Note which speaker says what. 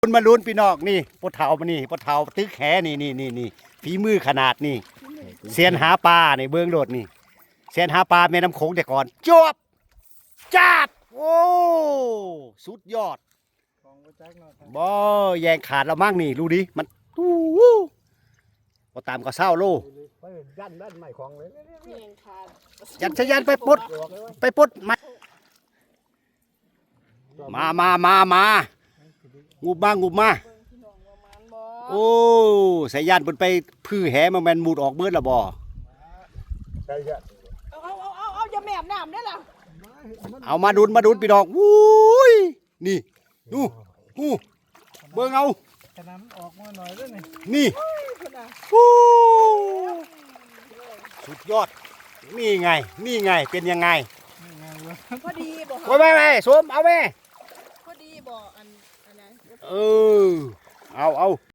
Speaker 1: คุณมาลุ้นพี่น้องนี่ปะเถามานี่ปะเถาตึกแหนี่ฝีมือขนาดนี่เซียนหาปลาในเบื้องโดดนี่เซียนหาปลาแม่น้ำโขงแต่ก่อนจวบจัดโอ้สุดยอดบ่แยงขาดเรามั่งนี่รู้ดิมันตู้พอตามก็เศร้าโล
Speaker 2: ยันด้านใหม่ของเลย
Speaker 1: ยันชยันไปปลดมางูมาโอ้สายยานเพิ่นไปพื้อแหมาแม่นมูดออกเบิดละบ่
Speaker 2: ใช่ใช่
Speaker 3: เอาอย่าแม่น้ำได้ล่ะ
Speaker 1: เอามาดุนพี่น้องวุ้ยนี่ดูเบิ่งเอา
Speaker 2: ขนาดออกมาหน่อยด้วย
Speaker 1: นี่ฮู้สุดยอดนี่ไงเป็นยังไง
Speaker 3: พอดีบ่
Speaker 1: โอ้ยแม่สวมเอาแม่
Speaker 3: พอดีบ่อันนั้น
Speaker 1: เอา